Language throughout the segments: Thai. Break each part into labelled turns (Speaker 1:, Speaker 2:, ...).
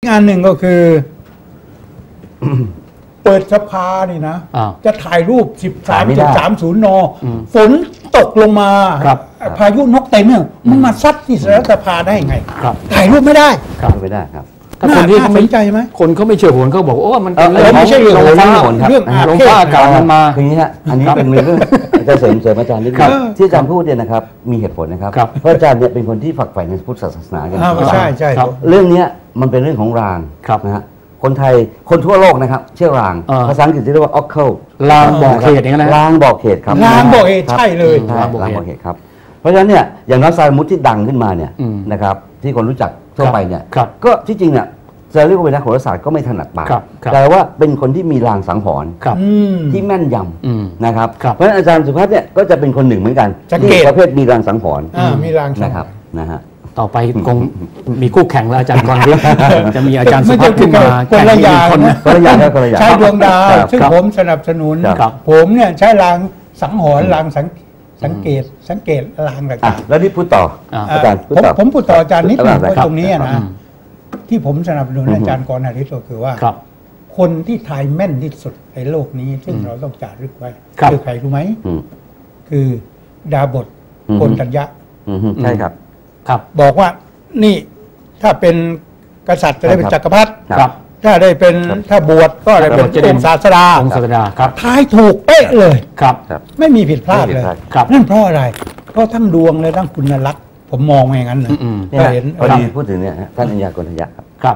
Speaker 1: งานหนึ่งก็คือเปิดสภานี่นะจะถ่ายรูป 13.30 น.ฝนตกลงมาพายุนกเต็มเนี่ยมันมาซัดที่สภาได้ไงถ่ายรูปไม่ได้
Speaker 2: ไม่ได้ครับ
Speaker 1: ถ้าคนที่เขาไม่ใจไหม
Speaker 3: คนเขาไม่เชื่อโหนเขาบอกโอ้มันเป็น
Speaker 1: ไม่ใช่เรื่อง
Speaker 3: โหนครับลมฟ้าอากาศมันมา
Speaker 2: คืออย่างนี้ฮะอันนี้เป็นเรื่องจะเสริมอาจารย์นิดนึงที่อาจารย์พูดเนี่ยนะครับมีเหตุผลนะครับเพราะอาจารย์เนี่ยเป็นคนที่ฝักใฝ่ในพุทธศาสนากัน
Speaker 1: ใช่
Speaker 2: เรื่องนี้มันเป็นเรื่องของรางนะฮะคนไทยคนทั่วโลกนะครับเชื่อรางภาษาอังกฤษเรียกว่า oracle
Speaker 3: รางบอกเหตุอย่างนั้นนะ
Speaker 2: รางบอกเหตุครับ
Speaker 1: รางบอกเหตุใช่เลย
Speaker 2: รางบอกเหตุครับเพราะฉะนั้นเนี่ยอย่างนักสายมุตที่ดังขึ้นมาเนี่ยนะครับที่คนรู้จักทั่วไปเนี่ยก็ที่จริงเนี่ยจะเรียกว่าเป็นนักโหราศาสตร์ก็ไม่ถนัดปากแต่ว่าเป็นคนที่มีรางสังหรณ์ที่แม่นยำนะครับเพราะฉะนั้นอาจารย์สุภัทรเนี่ยก็จะเป็นคนหนึ่งเหมือนกันที่ประเภทมีรางสังหรณ์
Speaker 1: มีราง
Speaker 2: นะครับนะฮะ
Speaker 3: ต่อไปคงมีคู่แข่งแล้วอาจารย์กรวิทย์จะมีอาจารย์สุภัทรขึ้นมา
Speaker 1: คนละอย่างใช้ดวงดาวซึ่งผมสนับสนุนผมเนี่ยใช้รางสังหรณ์รางสังเกตรางต่าง
Speaker 2: ๆแล้วนี่พูดต่ออาจารย์
Speaker 1: ผมพูดต่ออาจารย์นิดนึงตรงนี้นะที่ผมสนับสนุนอาจารย์กรณฤทธิ์ก็คือว่าคนที่ทายแม่นที่สุดในโลกนี้ซึ่งเราต้องจารึกไว้คือใครรู้ไหมคือดาบทโกณฑัญญะ
Speaker 2: ใช่ครับ
Speaker 1: บอกว่านี่ถ้าเป็นกษัตริย์จะได้เป็นจักรพรรดิถ้าได้เป็นถ้าบวชก็ได้เป็นองค์ศาสดาทายถูกเป๊ะเลยไม่มีผิดพลาดเลยนั่นเพราะอะไรเพราะทั้งดวงและทั้งคุณลักษณ์ผมมองอย่างนั้นนะ
Speaker 2: เห็นพอดีพูดถึงเนี่ยท่านอัญญาโกณฑัญญะ
Speaker 3: ครับ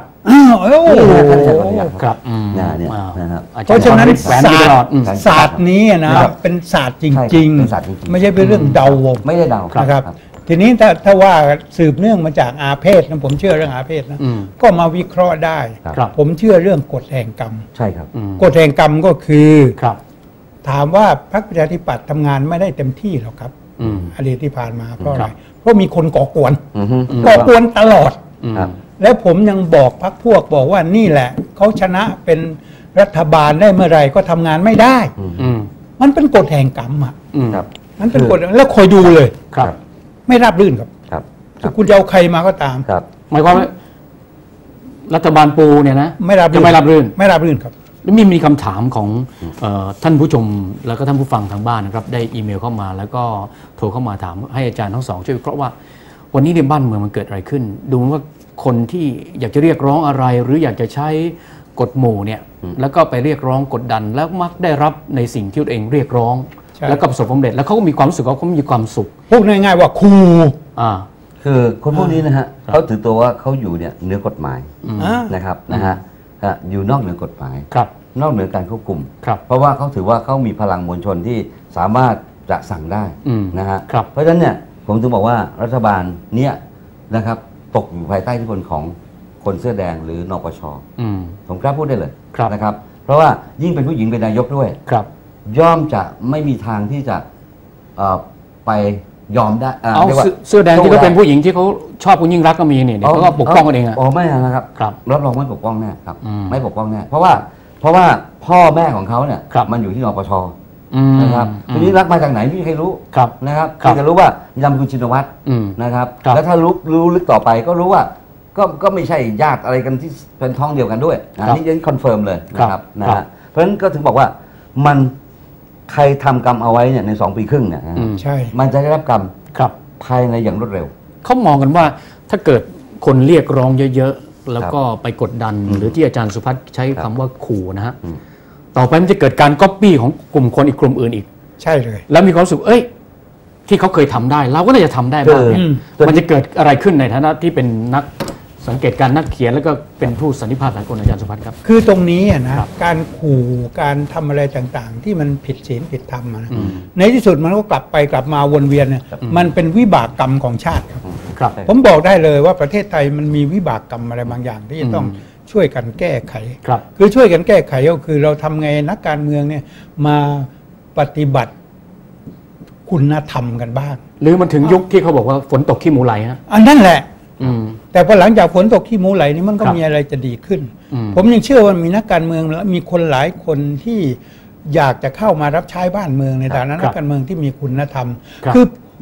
Speaker 2: ครับเนี่ยนะครับ
Speaker 1: เพราะฉะนั้นศาสตร์นี้นะเป็นศาสตร์จริงๆไม่ใช่เป็นเรื่องเดาวง
Speaker 2: ไม่ได้เดา
Speaker 1: นะครับทีนี้ถ้าว่าสืบเนื่องมาจากอาเพศนะผมเชื่อเรื่องอาเพศนะก็มาวิเคราะห์ได้ผมเชื่อเรื่องกฎแห่งกรรม
Speaker 2: ใช่ครับ
Speaker 1: กฎแห่งกรรมก็คือถามว่าพรรคประชาธิปัตย์ทำงานไม่ได้เต็มที่หรอกครับอดีตที่ผ่านมาเพราะอะไรเพราะมีคนก่อกวนตลอดและผมยังบอกพรรคพวกบอกว่านี่แหละเขาชนะเป็นรัฐบาลได้เมื่อไรก็ทำงานไม่ได้มันเป็นกฎแห่งกรรมอ่ะมันเป็นกฎแล้วคอยดูเลยไม่ราบรื่นครับคุณจะเอาใครมาก็ตาม
Speaker 3: หมายความว่ารัฐบาลปูเนี่ยนะ
Speaker 1: ไม่ราบรื่นครับ
Speaker 3: แล้วมีคำถามของท่านผู้ชมแล้วก็ท่านผู้ฟังทางบ้านนะครับได้อีเมลเข้ามาแล้วก็โทรเข้ามาถามให้อาจารย์ทั้งสองช่วยวิเคราะห์ว่าวันนี้ในบ้านเมืองมันเกิดอะไรขึ้นดูว่าคนที่อยากจะเรียกร้องอะไรหรืออยากจะใช้กฎหมู่เนี่ยแล้วก็ไปเรียกร้องกดดันแล้วมักได้รับในสิ่งที่ตัวเองเรียกร้องแล้วก็ประสบความสำเร็จแล้วเขาก็มีความรู้สึกว่าเขามีความสุข
Speaker 1: พูดง่ายๆว่าครู
Speaker 2: คือคนพวกนี้นะฮะเขาถือตัวว่าเขาอยู่เนี่ยเหนือกฎหมายนะครับนะฮะอยู่นอกเหนือกฎหมายนอกเหนือการควบคุมเพราะว่าเขาถือว่าเขามีพลังมวลชนที่สามารถจะสั่งได้นะฮะเพราะฉะนั้นเนี่ยผมถึงบอกว่ารัฐบาลเนี่ยนะครับตกอยู่ภายใต้อิทธิพลของคนเสื้อแดงหรือนปช.ผมกล้าพูดได้เลยนะครับเพราะว่ายิ่งเป็นผู้หญิงเป็นนายกด้วยย่อมจะไม่มีทางที่จะไปยอมได้
Speaker 3: เสื้อแดงที่เขาเป็นผู้หญิงที่เขาชอบคุณยิ่งรักก็มีเนี่ยเขาก็ปกป้องกันเอง
Speaker 2: อ๋อไม่นะครับรับรองไม่ปกป้องแน่ครับไม่ปกป้องแน่เพราะว่าพ่อแม่ของเขาเนี่ยมันอยู่ที่นปช.นะครับทีนี้รักมาจากไหนไม่มีใครรู้นะครับจะรู้ว่ามีนามสกุลชินวัตรนะครับแล้วถ้ารู้ลึกต่อไปก็รู้ว่าก็ไม่ใช่ญาติอะไรกันที่เป็นท้องเดียวกันด้วยนี่ยังคอนเฟิร์มเลยนะครับนะฮะเพราะฉะนั้นก็ถึงบอกว่ามันใครทำกรรมเอาไว้เนี่ยใน2 ปีครึ่งเนี่ย
Speaker 1: ใช่
Speaker 2: มันจะได้รับกรรมภายในอย่างรวดเร็ว
Speaker 3: เขามองกันว่าถ้าเกิดคนเรียกร้องเยอะๆแล้วก็ไปกดดันหรือที่อาจารย์สุภัทรใช้คำว่าขู่นะฮะต่อไปมันจะเกิดการก๊อปปี้ของกลุ่มคนอีกกลุ่มอื่นอีก
Speaker 1: ใช่เลย
Speaker 3: แล้วมีความรู้สึกที่เขาเคยทำได้เราก็น่าจะทำได้บ้างเนี่ยมันจะเกิดอะไรขึ้นในฐานะที่เป็นนักสังเกตการนักเขียนแล้วก็เป็นผู้สันนิษฐานสากลอาจารย์สุภัทรครับ
Speaker 1: คือตรงนี้นะการขู่การทำอะไรต่างๆที่มันผิดศีลผิดธรรมนะในที่สุดมันก็กลับมาวนเวียนเนี่ยมันเป็นวิบากกรรมของชาติครับผมบอกได้เลยว่าประเทศไทยมันมีวิบากกรรมอะไรบางอย่างที่จะต้องช่วยกันแก้ไขคือช่วยกันแก้ไขก็คือเราทำไงนักการเมืองเนี่ยมาปฏิบัติคุณธรรมกันบ้าง
Speaker 3: หรือมันถึงยุคที่เขาบอกว่าฝนตกขี้หมูไหลฮะ
Speaker 1: อันนั่นแหละแต่พอหลังจากฝนตกขี้หมูไหลนี่มันก็มีอะไรจะดีขึ้นผมยังเชื่อว่ามีนักการเมืองและมีคนหลายคนที่อยากจะเข้ามารับใช้บ้านเมืองในฐานะนักการเมืองที่มีคุณธรรมคือ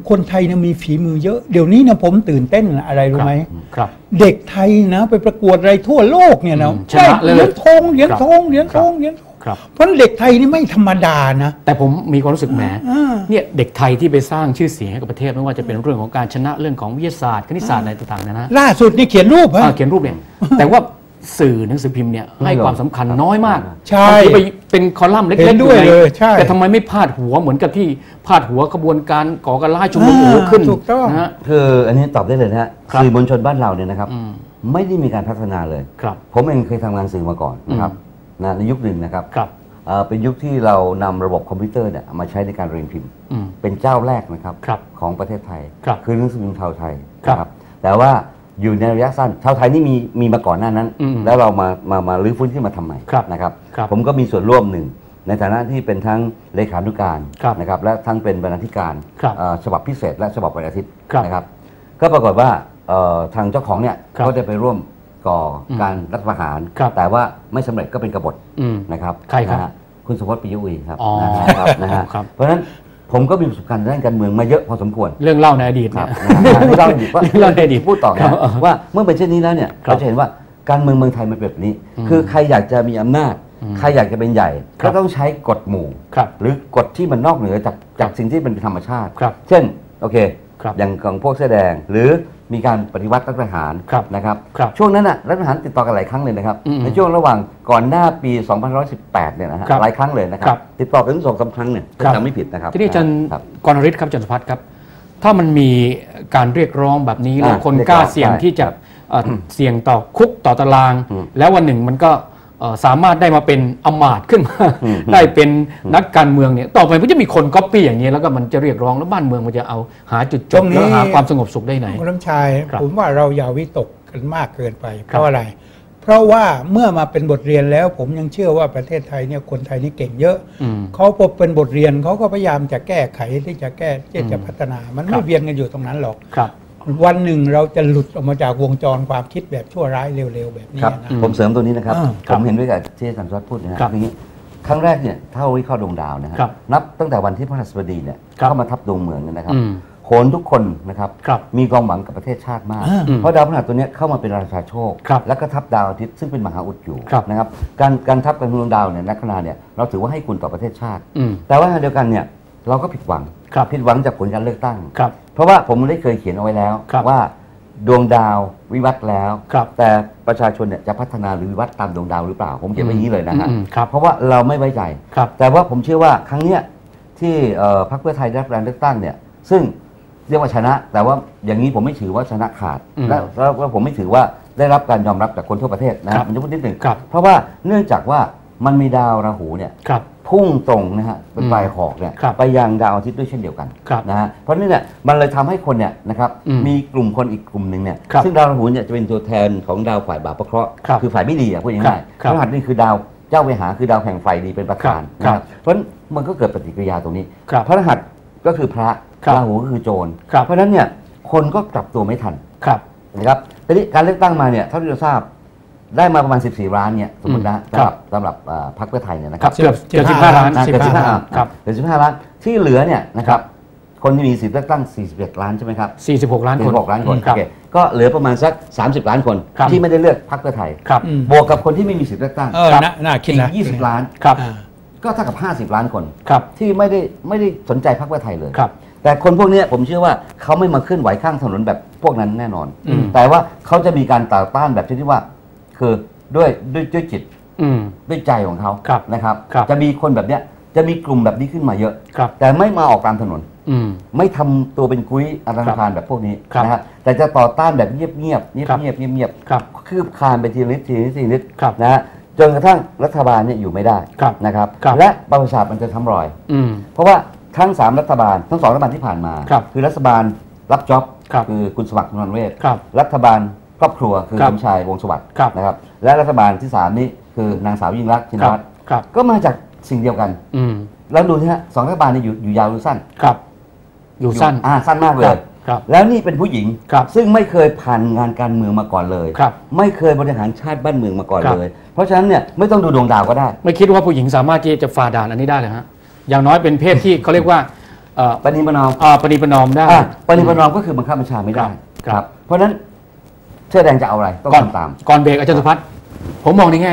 Speaker 1: คนไทยเนี่ยมีฝีมือเยอะเดี๋ยวนี้นะผมตื่นเต้นอะไรรู้ไหม
Speaker 3: ครับ
Speaker 1: เด็กไทยนะไปประกวดอะไรทั่วโลกเนี่ยนะ
Speaker 3: ชนะเลย
Speaker 1: เหรียญทองเหรียญทองเหรียญทองเหรียญทอง
Speaker 3: ครับ
Speaker 1: เพราะเด็กไทยนี่ไม่ธรรมดานะ
Speaker 3: แต่ผมมีความรู้สึกแหม
Speaker 1: อ่า
Speaker 3: เนี่ยเด็กไทยที่ไปสร้างชื่อเสียงให้กับประเทศไม่ว่าจะเป็นเรื่องของการชนะเรื่องของวิทยาศาสตร์คณิตศาสตร์อะไรต่างๆนะ
Speaker 1: ล่าสุดนี่เขียนรูปฮะ
Speaker 3: เขียนรูปเนี่ยแต่ว่าสื่อหนังสือพิมพ์เนี่ยให้ความสำคัญน้อยมาก
Speaker 1: ใช่
Speaker 3: บางทีไปเป็นคอลัมน์เล็
Speaker 1: เห็
Speaker 3: ก
Speaker 1: น
Speaker 3: ๆ
Speaker 1: ด้วย
Speaker 3: อ
Speaker 1: เลยใช่
Speaker 3: แต่ทำไมไม่พาดหัวเหมือนกับที่พาดหัวขบวนการก่อการร้ายชุมนุมโอ้โหขึ้น
Speaker 1: ถูกต้อง
Speaker 3: นะฮะ
Speaker 2: คืออันนี้ตอบได้เลยนะฮะ
Speaker 3: ครับ
Speaker 2: สื่อมวลชนบ้านเราเนี่ยนะครับ
Speaker 3: อืม
Speaker 2: ไม่ได้มีการพัฒนาเลย
Speaker 3: ครับ
Speaker 2: ผมเองเคยทำงานสื่อมาก่อนนะครับนะในยุคหนึ่งนะครับ
Speaker 3: ครับ
Speaker 2: เป็นยุคที่เรานำระบบคอมพิวเตอร์เนี่ยมาใช้ในการเรียนพิมพ์
Speaker 3: อืม
Speaker 2: เป็นเจ้าแรกนะครับ
Speaker 3: ครับ
Speaker 2: ของประเทศไทย
Speaker 3: ครับ
Speaker 2: คือหนังสือพิมพ์ชาวไทย
Speaker 3: ครับ
Speaker 2: นะครับแต่ว่าอยู่ในระยะสั้นชาวไทยนี่มีมาก่อนหน้านั้น
Speaker 3: อืม
Speaker 2: แล้วเรามารื้อฟื้นขึ้นมาทำใหม่
Speaker 3: ครับ
Speaker 2: นะครับ
Speaker 3: ครับ
Speaker 2: ผมก็มีส่วนร่วมหนึ่งในฐานะที่เป็นทั้งเลขานุการ
Speaker 3: ครับ
Speaker 2: นะครับและทั้งเป็นบรรณาธิการ
Speaker 3: ครับ
Speaker 2: ฉบับพิเศษและฉบับวันอาทิตย์
Speaker 3: ครับ
Speaker 2: นะครับก็ปรากฏว่าทางเจ้าของเนี่ย
Speaker 3: ครับ
Speaker 2: ก็ได้ไปร่วมก่อการรัฐประหาร
Speaker 3: ครับ
Speaker 2: แต่ว่าไม่สำเร็จก็เป็นกบฏ
Speaker 3: อืม
Speaker 2: นะครับ
Speaker 3: ใครครับ
Speaker 2: นะฮะคุณสุพจน์ปิยอุยครับ
Speaker 3: อ๋อ
Speaker 2: นะครับนะฮะ
Speaker 3: ครับ
Speaker 2: เพราะฉะนั้นผมก็มีประสบการณ์ด้านการเมืองมาเยอะพอสมควร
Speaker 3: เรื่องเล่าในอดีต
Speaker 2: ครั
Speaker 3: เนี่
Speaker 2: บ
Speaker 3: ย
Speaker 2: ที่เราว่า
Speaker 3: เราในอดีต
Speaker 2: พูดต่อ
Speaker 3: ครั
Speaker 2: นะ
Speaker 3: บ
Speaker 2: ว่าเมื่อเป็นเช่นนี้แล้วเนี่ย
Speaker 3: ครับ
Speaker 2: เราจะเห็นว่าการเมืองไทยมันเป็นแบบนี้ คือใครอยากจะมีอำนาจ ใครอยากจะเป็นใหญ่
Speaker 3: ครั
Speaker 2: ก็
Speaker 3: บ
Speaker 2: ต้องใช้กฎหมู่
Speaker 3: ครับ
Speaker 2: หรือกฎที่มันนอกเหนือจากสิ่งที่เป็นธรรมชาติ
Speaker 3: ครับ
Speaker 2: เช่นโอเค
Speaker 3: ครับ
Speaker 2: อย่างของพวกเสื้อแดง หรือมีการปฏิวัติรัฐประหาร
Speaker 3: ครับ
Speaker 2: นะครับ
Speaker 3: ครับ
Speaker 2: ช่วงนั้นน่ะรัฐประหารติดต่อกันหลายครั้งเลยนะครับ
Speaker 3: อืม
Speaker 2: ในช่วงระหว่างก่อนหน้าปี 2518 เนี่ยนะฮะ
Speaker 3: ครับ
Speaker 2: หลายครั้งเลยนะค
Speaker 3: ครั
Speaker 2: รับ
Speaker 3: บ
Speaker 2: ติดต่อกันถึง2-3 ครั้งเนี่ย
Speaker 3: ครับ
Speaker 2: จำไม่ผิดนะครับ
Speaker 3: ทีนี้อาจารย์
Speaker 2: ครับ
Speaker 3: กรณฤทธิ์ครับอาจารย์สุพัฒน์ครับ ถ้ามันมีการเรียกร้องแบบนี้แล้ว
Speaker 2: อ่า
Speaker 3: คนกล้าเสี่ยง
Speaker 2: ใช่
Speaker 3: ที่จะเสี่ยงต่อคุกต่อตาราง
Speaker 2: อืม
Speaker 3: แล้ววันหนึ่งมันก็สามารถได้มาเป็นอำมาตย์ขึ้นมา
Speaker 2: อืม
Speaker 3: ได้เป็นนักการเมืองเนี่ยต่อไปมันจะมีคนก๊อปปี้อย่างนี้แล้วก็มันจะเรียกร้องแล้วบ้านเมืองมันจะเอาหาจุดจ
Speaker 1: ตร
Speaker 3: บ
Speaker 1: งนี้
Speaker 3: แล้วหาความสงบสุขได้ไหน
Speaker 1: คุณน้ำชาย
Speaker 3: ครับ
Speaker 1: ผมว่าเราอย่าวิตกกันมากเกินไป เพ
Speaker 3: ครับ
Speaker 1: ราะอะไร เพราะว่าเมื่อมาเป็นบทเรียนแล้ว ผมยังเชื่อว่าประเทศไทยเนี่ยคนไทยนี่เก่งเยอะ
Speaker 3: อืม
Speaker 1: เขาพอเป็นบทเรียนเขาก็พยายามจะแก้ไขที่จะแก้ที่จะพัฒนา มัน
Speaker 3: ครั
Speaker 1: ไม่
Speaker 3: บ
Speaker 1: เวียนกันอยู่ตรงนั้นหรอก
Speaker 3: ครับ
Speaker 1: วันหนึ่งเราจะหลุดออกมาจากวงจรความคิดแบบชั่วร้ายเร็วๆแบบนี้
Speaker 2: ครับ
Speaker 1: นะ
Speaker 2: ผมเสริมตัวนี้นะครับ
Speaker 1: อ่า
Speaker 2: ผมเห็นด้วยกับที่อาจารย์สุวัสดิ์พูดนะฮะ
Speaker 3: ครับ
Speaker 2: อย่างนี้ครั้งแรกเนี่ยถ้าวิเคราะห์ดวงดาวนะฮะ
Speaker 3: ครับ
Speaker 2: นับตั้งแต่วันที่พระราชบดีเนี่ย
Speaker 3: ครับ
Speaker 2: เข้ามาทับดวงเมืองเนี่ยนะครับ
Speaker 3: อืม
Speaker 2: โขนทุกคนนะครับ
Speaker 3: ครับ
Speaker 2: มีความหวังกับประเทศชาติมาก
Speaker 1: อ่า
Speaker 2: เพราะดาวพฤหัสตัวเนี้ยเข้ามาเป็นราชาโชค
Speaker 3: ครับ
Speaker 2: แล้วก็ทับดาวอาทิตย์ซึ่งเป็นมหาอุดอยู่
Speaker 3: ครับ
Speaker 2: นะครับการทับกันดวงดาวเนี่ยนักขณะเนี่ยเราถือว่าให้คุณต่อประเทศชาติ
Speaker 3: อืม
Speaker 2: แต่ว่าขณะเดียวกันเนี่ยเราก็ผิดหวัง
Speaker 3: ครับ
Speaker 2: ผิดหวังจากผลการเลือกตั้ง
Speaker 3: ครับ
Speaker 2: เพราะว่าผมได้เคยเขียนเอาไว้แล้ว
Speaker 3: ครับ
Speaker 2: ว่าดวงดาววิวัฒน์แล้ว
Speaker 3: ครับ
Speaker 2: แต่ประชาชนเนี่ยจะพัฒนาหรือวิวัฒน์ตามดวงดาวหรือเปล่า ผมเขียนไว้อย่างนี้เลยนะฮะ
Speaker 3: อืมครับ
Speaker 2: เพราะว่าเราไม่ไว้ใจ
Speaker 3: ครับ
Speaker 2: แต่ว่าผมเชื่อว่าครั้งเนี้ยที่พรรคเพื่อไทยได้รับการเลือกตั้งเนี่ยซึ่งเรียกว่าชนะ แต่ว่าอย่างนี้ผมไม่ถือว่าชนะขาด
Speaker 3: อืม
Speaker 2: แล้วผมไม่ถือว่าได้รับการยอมรับจากคนทั่วประเทศนะผมจะพูดนิดหนึ่ง
Speaker 3: ครับ
Speaker 2: เพราะว่าเนื่องจากว่ามันมีดาวราหูเนี่ย
Speaker 3: ครับ
Speaker 2: พุ่งตรงนะฮะเป็นปลายหอกเนี่ย
Speaker 3: ครับ
Speaker 2: ไปยังดาวอาทิตย์ด้วยเช่นเดียวกัน
Speaker 3: ครับ
Speaker 2: นะฮะเพราะนี่เนี่ยมันเลยทำให้คนเนี่ยนะครับ
Speaker 3: อืม
Speaker 2: มีกลุ่มคนอีกกลุ่มหนึ่งเนี่ย
Speaker 3: ครับ
Speaker 2: ซึ่งดาวราหูเนี่ยจะเป็นตัวแทนของดาวฝ่ายบาปพระเคราะห์
Speaker 3: ครับ
Speaker 2: คือฝ่ายไม่ดีอ่ะพูดง่าย
Speaker 3: ครับ
Speaker 2: ๆพฤหัสนี่คือดาวเจ้าเวหาคือดาวแห่งไฟดีเป็นประธาน
Speaker 3: ครับ
Speaker 2: นะครับเพราะฉะนั้นมันก็เกิดปฏิกิริยาตรงนี้
Speaker 3: ครับ
Speaker 2: พฤหัสก็คือพระ
Speaker 3: ครับ
Speaker 2: ราหูก็คือโจร
Speaker 3: ครับ
Speaker 2: เพราะฉะนั้นเนี่ยคนก็กลับตัวไม่ทัน
Speaker 3: ครับ
Speaker 2: นะครับทีนี้การเลือกตั้งมาเนี่ยเท่าที่เราทราบได้มาประมาณ 14 ล้านเนี่ยสมมตินะ
Speaker 3: ครับ
Speaker 2: สำหรพรรคเพื่อไทยเนี่ยนะค
Speaker 3: ครั
Speaker 2: รั
Speaker 3: บบ เกือบ15 ล้าน
Speaker 2: เกือบ15ล้าน
Speaker 3: ครับ
Speaker 2: เกือบ15ล้านที่เหลือเนี่ยนะครับคนที่มีสิทธิ์เลือกตั้ง41ล้านใช่ไหมครับ
Speaker 3: 46 ล้านคน
Speaker 2: 46ล้านคน
Speaker 3: ครับ
Speaker 2: โอเคก็เหลือประมาณสัก30ล้านคน
Speaker 3: ครับ
Speaker 2: ที่ไม่ได้เลือกพรรคเพื่อไทย
Speaker 3: ครับ
Speaker 1: อืม
Speaker 2: บวกกับคนที่ไม่มีสิทธิ์เลือกตั้ง
Speaker 1: เออ
Speaker 3: ครับ
Speaker 1: น่าคิด
Speaker 2: อี
Speaker 1: นะ
Speaker 2: ก20ล้าน
Speaker 3: ครับ
Speaker 1: อ่า
Speaker 2: ก็เท่ากับ50ล้านคน
Speaker 3: ครับ
Speaker 2: ที่ไม่ได้สนใจพรรคเพื่อไทยเลย
Speaker 3: ครับ
Speaker 2: แต่คนพวกเนี้ยผมเชื่อว่าเขาไม่มาเคลื่อนไหวข้างถนนแบบพวกนั้นแน่นอน
Speaker 3: อืม
Speaker 2: แต่ว่าเขาจะมีการต่อต้านแบบที่ว่าคือด้วยจิต
Speaker 3: อืม
Speaker 2: ด้วยใจของเขา
Speaker 3: ครับ
Speaker 2: นะครับ
Speaker 3: ครับ
Speaker 2: จะมีคนแบบเนี้ยจะมีกลุ่มแบบนี้ขึ้นมาเยอะ
Speaker 3: ครับ
Speaker 2: แต่ไม่มาออกตามถนน
Speaker 3: อืม
Speaker 2: ไม่ทำตัวเป็นกุ้ยอันธพาลแบบพวกนี้
Speaker 3: ครับ
Speaker 2: นะฮะแต่จะต่อต้านแบบเงียบๆ
Speaker 3: ครับ
Speaker 2: เงียบ
Speaker 3: ครับ
Speaker 2: คืบคลานไปทีละนิด
Speaker 3: ครับ
Speaker 2: นะฮะจนกระทั่งรัฐบาลเนี่ยอยู่ไม่ได้
Speaker 3: ครับ
Speaker 2: นะครับ
Speaker 3: ครับ
Speaker 2: และประชาชนมันจะทำรอย
Speaker 3: อืม
Speaker 2: เพราะว่าทั้ง3รัฐบาลทั้ง2รัฐบาลที่ผ่านมา
Speaker 3: ครับ
Speaker 2: อรัฐบาลรับจ็อบ
Speaker 3: ครับ
Speaker 2: คือคุณสมัครนนเวศ
Speaker 3: ครับ
Speaker 2: รัฐบาลครอบครัวคือ
Speaker 3: ครับ
Speaker 2: สมชายวงศ์สวัสดิ์
Speaker 3: ครับ
Speaker 2: นะครับและรัฐบาลที่3นี้คือนางสาวยิ่งรักษณ์ชิน
Speaker 3: ครับ
Speaker 2: วัตร
Speaker 3: ครับ
Speaker 2: ก็มาจากสิ่งเดียวกัน
Speaker 3: อืม
Speaker 2: แล้วดูนะฮะ2รัฐบาลเนี่ยอยู่ยาวหรือสั้น
Speaker 3: ครับ อยู่สั้น
Speaker 2: สั้นมากเล
Speaker 3: ครั
Speaker 2: ย
Speaker 3: บครับ
Speaker 2: แล้วนี่เป็นผู้หญิง
Speaker 3: ครับ
Speaker 2: ซึ่งไม่เคยผ่านงานการเมืองมาก่อนเลย
Speaker 3: ครับ
Speaker 2: ไม่เคยบริหารชาติบ้านเมืองมาก่อน
Speaker 3: ครับ
Speaker 2: เลย เพราะฉะนั้นเนี่ยไม่ต้องดูดวงดาวก็ได้
Speaker 3: ไม่คิดว่าผู้หญิงสามารถที่จะฝ่าด่านอันนี้ได้เลยฮะ อย่างน้อยเป็นเพศที่เขาเรียกว่า
Speaker 2: ปณิประนอม
Speaker 3: ปณิประนอมได้
Speaker 2: ปณิประนอมก็คือบังคับบัญชาไม่ได้
Speaker 3: ครับ
Speaker 2: เพราะฉะนั้นเสื้อแดงจะเอาอะไรต้องทำตาม
Speaker 3: ก่อนเบรกอาจารย์สุพัฒน์ผมมองในแง่